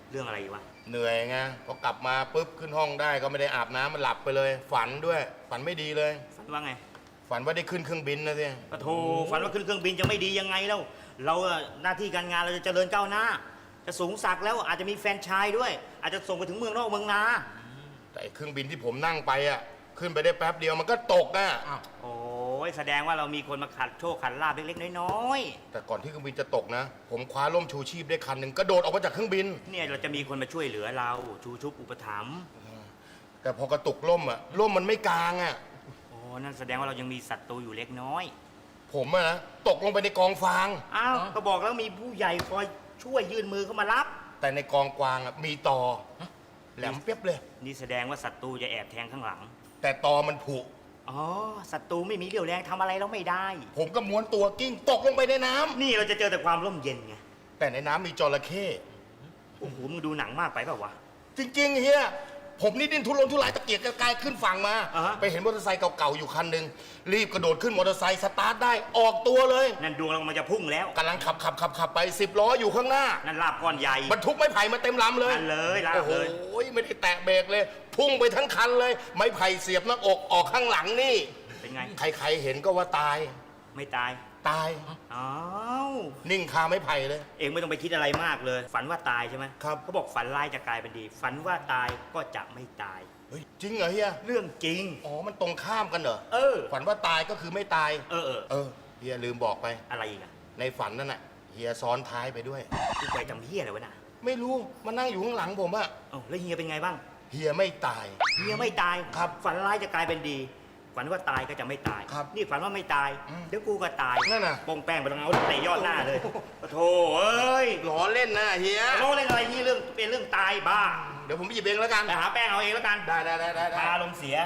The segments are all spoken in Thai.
เรื่องอะไรวะเหนื่อยไงพอกลับมาปุ๊บขึ้นห้องได้ก็ไม่ได้อาบน้ำมันหลับไปเลย ฝันด้วยฝันไม่ดีเลยฝันว่าไงฝันว่าได้ขึ้นเครื่องบินนะสิปะโถฝันว่าขึ้นเครื่องบินจะไม่ดียังไงแล้วเราหน้าที่การงานเราจะเจริญก้าวหน้าจะสูงสักแล้วอาจจะมีแฟนชายด้วย อาจจะส่งไปถึงเมืองนอกเมืองนาแต่เครื่องบินที่ผมนั่งไปอ่ะขึ้นไปได้แป๊บเดียวมันก็ตกอ่ะโอ้ยแสดงว่าเรามีคนมาขัดโชคขัดลาบเล็กๆน้อยๆแต่ก่อนที่เครื่องบินจะตกนะผมคว้าร่มชูชีพได้คันหนึ่งกระโดดออกมาจากเครื่องบินเนี่ยเราจะมีคนมาช่วยเหลือเราชูชุบอุปถัมภ์แต่พอกระตุกร่มอ่ะร่มมันไม่กลางอ่ะโอ้นั่นแสดงว่าเรายังมีศัตรูอยู่เล็กน้อยผมอะนะตกลงไปในกองฟางอ้าวก็บอกแล้วมีผู้ใหญ่คอยช่วยยื่นมือเข้ามารับแต่ในกองกวางอ่ะมีตอแหลมเปียบเลยนี่แสดงว่าศัตรูจะแอบแทงข้างหลังแต่ตอมันผุอ๋อศัตรูไม่มีเรี่ยวแรงทำอะไรเราไม่ได้ผมก็ม้วนตัวกิ้งตกลงไปในน้ำนี่เราจะเจอแต่ความร่มเย็นไงแต่ในน้ำมีจระเข้โอ้โหมึงดูหนังมากไปเปล่าวะจริงๆเฮียผมนี่ดิ้นทุรนทุรายตะเกียกตะกายขึ้นฝั่งมาไปเห็นมอเตอร์ไซค์เก่าๆอยู่คันหนึ่งรีบกระโดดขึ้นมอเตอร์ไซค์สตาร์ทได้ออกตัวเลยนั่นดวงเรามันจะพุ่งแล้วกำลังขับไป10 ล้ออยู่ข้างหน้านั่นลาบก้อนใหญ่บรรทุกไม้ไผ่มาเต็มลำเลยนั่นเลยลาบเลยโอ้ยไม่ได้แตะเบรกเลยพุ่งไปทั้งคันเลยไม้ไผ่เสียบหน้าอกออกข้างหลังนี่เป็นไงใครๆเห็นก็ว่าตายไม่ตายอ้าวนิ่งคาไม้ไผ่เลยเองไม่ต้องไปคิดอะไรมากเลยฝันว่าตายใช่ไหมครับเขาบอกฝันร้ายจะกลายเป็นดีฝันว่าตายก็จะไม่ตายเฮ้ยจริงเหรอเฮียเรื่องจริงอ๋อมันตรงข้ามกันเหรอฝันว่าตายก็คือไม่ตายเฮียลืมบอกไปอะไรอีกอะในฝันนั่นน่ะเฮียซ้อนท้ายไปด้วยกูไปทำเฮียอะไรวะน่ะไม่รู้มานั่งอยู่ข้างหลังผมอะแล้วเฮียเป็นไงบ้างเฮียไม่ตายครับฝันร้ายจะกลายเป็นดีฝันว่าตายก็จะไม่ตายนี่ฝันว่าไม่ตายเดี๋ยวกูก็ตายนั่นน่ะปงแป้งไปแล้วเอาเตะยอดหน้าเลยโธ่เอ้ยล้อเล่นนะเฮียล้อเล่นอะไรนี่เรื่องเป็นเรื่องตายบ้าเดี๋ยวผมไปหยิบเองแล้วกันไปหาแป้งเอาเองแล้วกันได้พาลมเสีย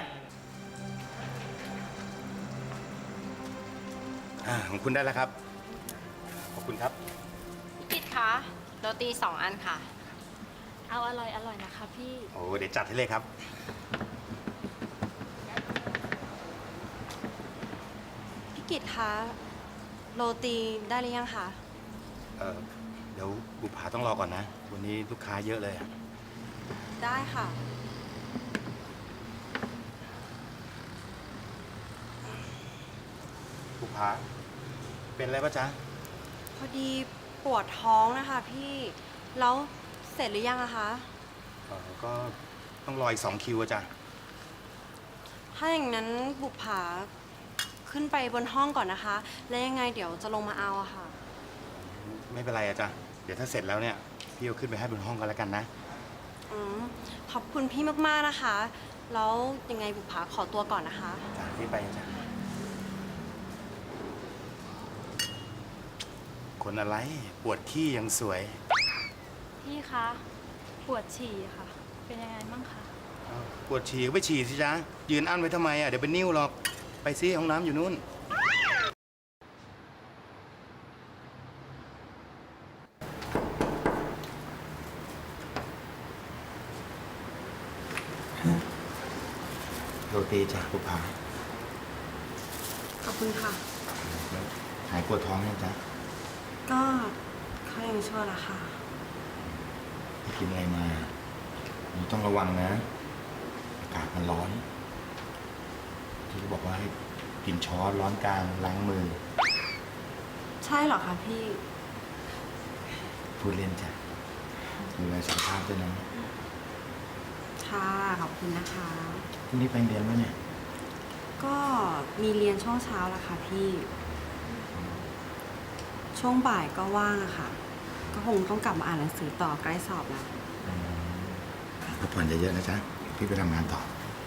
ของคุณได้แล้วครับขอบคุณครับพี่กิตคะโรตี2 อันค่ะเอาอร่อยนะคะพี่โอ้เดี๋ยวจัดให้เลยครับพี่กิตคะโรตีได้หรือยังคะเดี๋ยวบุภาต้องรอก่อนนะวันนี้ลูกค้าเยอะเลยได้ค่ะบุภาเป็นอะไรปะจ๊ะพอดีปวดท้องนะคะพี่แล้วเสร็จหรือยังอะคะก็ต้องรออีก2 คิวอะจ๊ะถ้าอย่างนั้นบุภาขึ้นไปบนห้องก่อนนะคะแล้วยังไงเดี๋ยวจะลงมาเอาอะค่ะไม่เป็นไรอะจ๊ะเดี๋ยวถ้าเสร็จแล้วเนี่ยพี่เอาขึ้นไปให้บนห้องก็แล้วกันนะขอบคุณพี่มากๆนะคะแล้วยังไงบุภาขอตัวก่อนนะคะจ้ะพี่ไปจ้ะคนอะไรปวดขี้ยังสวยพี่คะปวดฉี่ค่ะเป็นยังไงบ้างคะปวดฉี่ก็ไปฉี่สิจ๊ะยืนอั้นไว้ทำไมอ่ะเดี๋ยวเป็นนิ่วหรอกไปซิห้องน้ำอยู่นู่นโรตีจ้ะบุภาขอบคุณค่ะหายปวดท้องยังจ๊ะก็เขายังชั่วละค่ะที่กินอะไรมาต้องระวังนะอากาศมันร้อนที่เขาบอกว่าให้กินช้อนร้อนกลางล้างมือใช่เหรอคะพี่พูดเล่นจ้ะดูแลสุขภาพด้วยนะค่ะขอบคุณนะคะพรุ่งนี้ไปเรียนไหมเนี่ยก็มีเรียนช่วงเช้าละค่ะพี่ช่วงบ่ายก็ว่างอะค่ะก็คงต้องกลับมาอ่านหนังสือต่อใกล้สอบแล้วพักผ่อนเยอะๆนะจ๊ะพี่ไปทำงานต่อ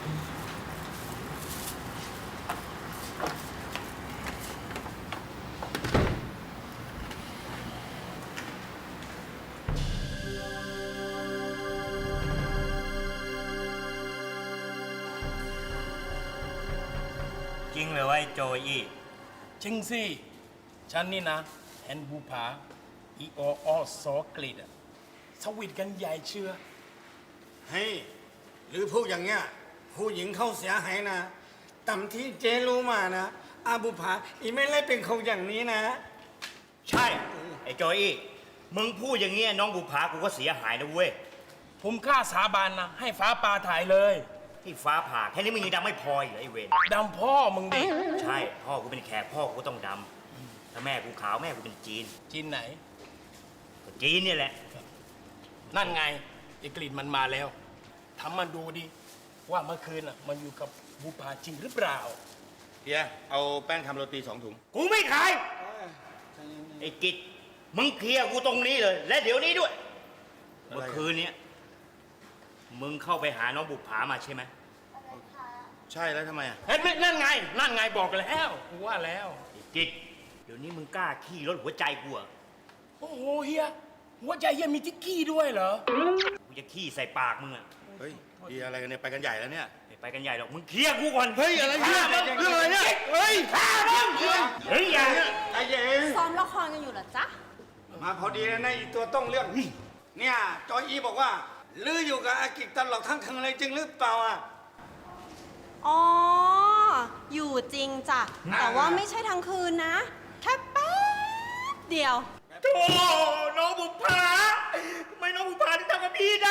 จริงเลยว่าโจอี้จริงสิฉันนี่นะเห็นบุภาอีโอออสอกลิดสวิตกันใหญ่เชื่อเฮ้ยหรือพูดอย่างเงี้ยผู้หญิงเขาเสียหายนะต่ำที่เจรู้มานะอาบุภาอีไม่ได้เป็นคนอย่างนี้นะใช่ไอ้โจอี้มึงพูดอย่างเงี้ยน้องบุภากูก็เสียหายนะเว้ยผมกล้าสาบานนะให้ฟ้าปลาถ่ายเลยที่ฟ้าผ่าแค่นี้มึงยังดำไม่พออีกเหรอไอ้เวรดำพ่อมึงดิใช่พ่อกูเป็นแขกพ่อกูก็ต้องดำถ้าแม่กูขาวแม่กูเป็นจีนจีนไหนก็จีนเนี่ยแหละนั่นไงไอ้กลิ่นมันมาแล้วทำมันดูดิว่าเมื่อคืนอ่ะมันอยู่กับบูพาจริงหรือเปล่าเฮียเอาแป้งทำโรตี2 ถุงกูไม่ขายไอ้กิจมึงเคลียร์กูตรงนี้เลย และเดี๋ยวนี้ด้วยอะไรอ่ะเมื่อคืนเนี้ยมึงเข้าไปหาน้องบุภามาใช่ไหมใช่แล้วทำไมอ่ะเห็นไหมนั่นไง นั่นไงบอกแล้วกูว่าแล้วไอ้กิจเดี๋ยวนี้มึงกล้าขี้รถหัวใจกูเหรอโอ้โหเฮียหัวใจเฮียมีทิกกี้ด้วยเหรอกูจะขี้ใส่ปากมึงอะเฮ้ยเฮียอะไรกันเนี่ยไปกันใหญ่แล้วเนี่ยไม่ไปกันใหญ่หรอกมึงเคลียร์กูก่อนเฮ้ยอะไรเนี่ยฆ่ามึงเรื่องอะไรเนี่ยเฮ้ยฆ่ามึงเฮ้ยอย่าเนี่ยใจเย็นซ้อมละครกันอยู่เหรอจ๊ะมาพอดีนะอีตัวต้องเรื่อง เนี่ยจอยอีบอกว่าลืออยู่กับอากิตลอดทั้งคืนเลยจริงหรือเปล่าอ่ะอ๋อ อยู่จริงจ้ะ แต่ว่าไม่ใช่ทั้งคืนนะ แค่แป๊บเดียวโธ่น้องบุภาทำไมน้องบุภาถึงทำกับพี่ได้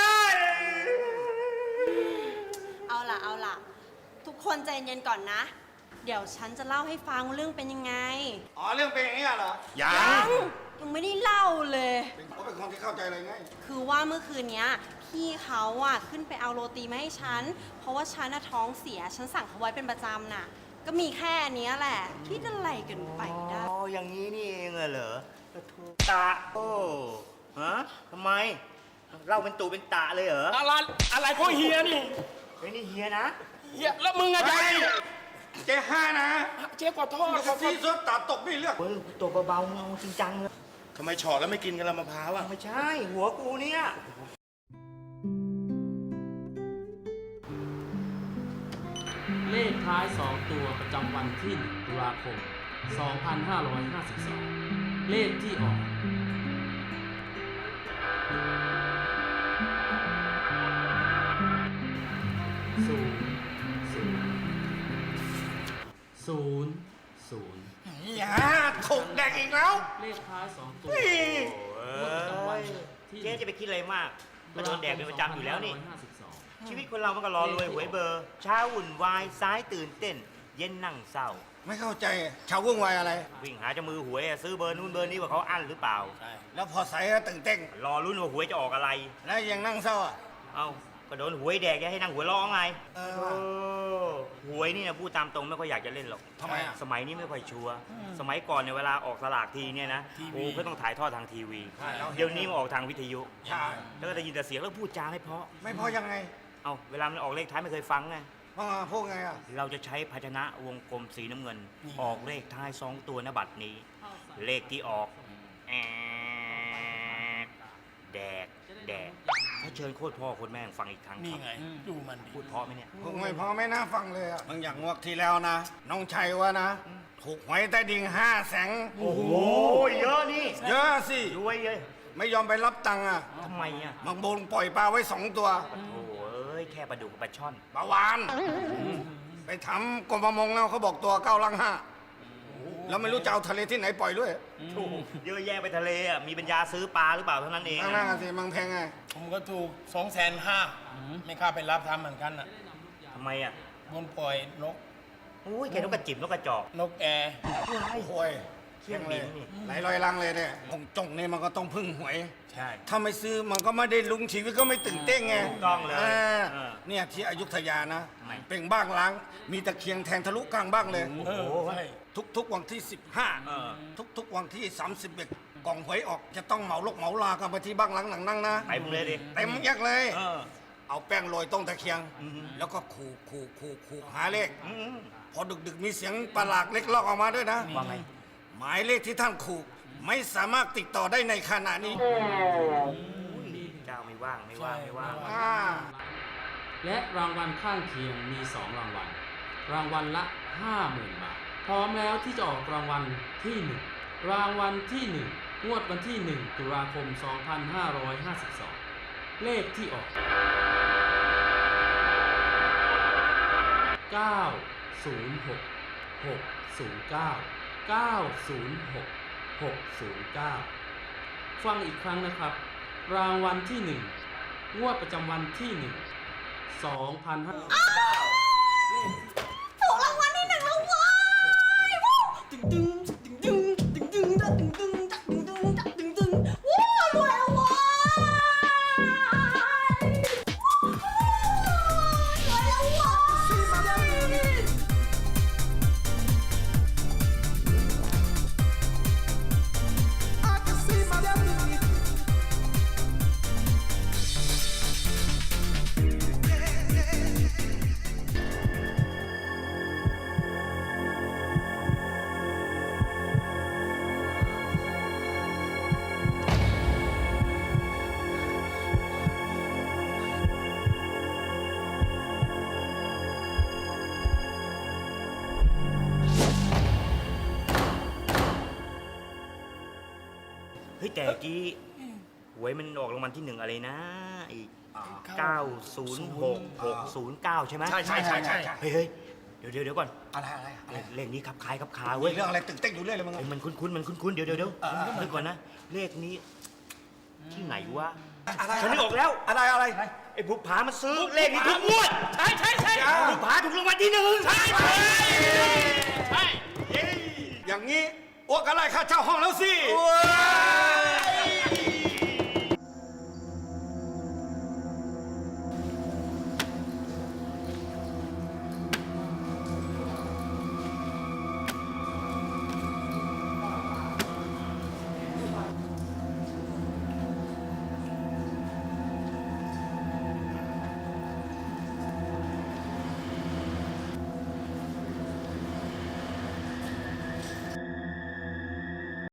เอาล่ะ ทุกคนใจเย็นก่อนนะ เดี๋ยวฉันจะเล่าให้ฟังว่าเรื่องเป็นยังไงอ๋อเรื่องเป็นอย่างนี้เหรอยังไม่ได้เล่าเลยเขาเป็นคนที่เข้าใจเลยไงคือว่าเมื่อคืนเนี้ยพี่เขาอะขึ้นไปเอาโรตีมาให้ฉัน เพราะว่าฉันน่ะท้องเสีย ฉันสั่งเขาไว้เป็นประจำน่ะ ก็มีแค่เนี้ยแหละ ที่จะไหลกันไปได้อ๋อ อย่างนี้นี่เองเหรอตาโอ้ฮะทำไม เล่าเป็นตูเป็นตะเลยเหรออะไรของเฮียนี่เฮ้ยนี่เฮียนะเฮียแล้วมึงอะเฮ้ไรย เจ๊ห้านะเจ๊ขอโทษมันจะซีซัวตัดตกไม่เลือกเฮ้ยตัวเบาๆมึงเอาจริงจังเลยทำไมฉอดแล้วไม่กินกันละมะพร้าวอ่ะไม่ใช่ หัวกูเนี่ยเลขท้าย 2 ตัวประจำวันที่ 1 ตุลาคม 2552 เลขที่ออก 0 อย่าถูกแดกอีกแล้วเลขท้าย 2 ตัวเฮ้ยประจำวันที่เจ๊จะไปคิดอะไรมากก็โดนแดกเป็นประจำอยู่แล้วนี่ 2552 ชีวิตคนเรามันก็รอรวยหวยเบอร์ เช้าวุ่นวายซ้ายตื่นเต้น เย็นนั่งเศร้าไม่เข้าใจชาววุ่นวายอะไรวิ่งหาเจ้ามือหวยอะซื้อเบอร์นู้นเบอร์นี้ว่าเขาอั้นหรือเปล่าแล้วพอใส่ก็ตื่นเต้นรอรุ่นว่าหวยจะออกอะไรแล้วยังนั่งเศร้าอ่ะเอ้าก็โดนหวยแดกจะให้นั่งหัวเร้องไงเออโอ้หวยนี่นะพูดตามตรงไม่ค่อยอยากจะเล่นหรอกทำไมอะสมัยนี้ไม่ค่อยชัวร์สมัยก่อนเนี่ยเวลาออกสลากทีเนี่ยนะโอ้ก็ต้องถ่ายทอดทางทีวี เดี๋ยวนี้มันออกทางวิทยุใช่แล้วก็ได้ยินแต่เสียงแล้วพูดจาไม่เพราะไม่พอยังไงเอาเวลามันออกเลขท้ายไม่เคยฟังไงพูดไงอ่ะเราจะใช้ภาชนะวงกลมสีน้ำเงิน ออกเลขท้าย2 ตัวนบัตรนี้ เลขที่ออกแอกแดกแดกถ้าเชิญโคตรพ่อโคตรแม่งฟังอีกครั้งนี่ครับไง ดูมันดิพูดเพราะไหมเนี่ยพูดไม่พอไม่น่าฟังเลยอ่ะบางอย่างงวกที่แล้วนะ น้องชัยว่านะ ถูกหวยใต้ดิน500,000 โอ้โหเยอะนี่เยอะสิรวยเลยไม่ยอมไปรับตังค์อ่ะทำไมอ่ะบางโบนปล่อยปลาไว้2 ตัวโอ้โหเอ้ยแค่ปลาดุกกับปลาช่อนปลาวาน ไปทำกรมประมงแล้วเขาบอกตัว9 ลัง 5แล้วไม่รู้จะเอาทะเลที่ไหนปล่อยด้วยโอ้โหเยอะแยะไปทะเลอ่ะมีปัญญาซื้อปลาหรือเปล่าเท่านั้นเองนั่นน่ะสิมังแพงไงผมก็ถูก 250,000ไม่ค่าไปรับทำเหมือนกันอ่ะทำไมอ่ะบนปล่อยนกโอ้ยแค่นกกระจิบนกกระจอกนกแอร์โอ้ยเครื่องบินนี่หลายร้อยลังเลยเนี่ยของจงเนี่ยมันก็ต้องพึ่งหวยใช่ถ้าไม่ซื้อมันก็ไม่ได้ลุ้นชีวิตก็ไม่ตื่นเต้นไงถูกต้องเลยาเออเนี่ยที่อยุธยานะทำไมเป็นบ้างล้าง มีตะเคียงแทงทะลุกลางบ้างเลยเออใช่ทุกๆวันที่เออ 15 ทุกๆวันที่ 31กล่องหวยออกจะต้องเหมาลกเหมาลากันไปที่บ้างหลังหลังนั่งนะไปมึงเลยดิเต็มยักษ์เลยเออเอาแป้งโรยต้นตะเคียงอืมแล้วก็ขู่หาเลขอืมพอดึกๆมีเสียงประหลาดเล็กลอกออกมาด้วยนะว่าไงหมายเลขที่ท่านขู่ไม่สามารถติดต่อได้ในขณะนี้เจ้าไม่ว่างไม่ว่างไม่ว่างอ่าและรางวัลข้างเคียงมี 2 รางวัล รางวัลละ 50,000 บาท พร้อมแล้วที่จะออกรางวัลที่ 1 รางวัลที่ 1 งวดวันที่ 1 ตุลาคม 2552 เลขที่ออก 906 609 906 609 ฟังอีกครั้งนะครับ รางวัลที่ 1 งวดประจำวันที่ 1 2,500 ถูกรางวัลที่หนึ่งแล้วเว้ยวู้ตึงตึงตึงตึงตึงตึงตึงตึงตึงตึงตึงตึงตึงวู้รวยแล้วเว้ยรวยแล้วเว้ยเฮ้ยแต่กี้หวยมันออกรางวัลที่ 1อะไรนะอีก906609 ใช่ไหมใช่ใช่ใช่ใช่เฮ้ยเดี๋ยวก่อนอะไรเลขนี้ขับคล้ายขับคาเว้เว้ยยเรื่องอะไรตึงเต้งอยู่เรื่อยเลยมึงเอ้ยมันคุ้นเดี๋ยวนึกก่อนนะ เลขนี้ที่ไหนวะฉันนึกออกแล้วอะไรไอ้บุปผามันซื้อเลขนี้ทุกงวดใช่ใช่ใช่บุปผาถูกรางวัลที่ 1 ใช่ใช่อย่างนี้อ้วกอะไรค่าเช่าห้องแล้วสิใ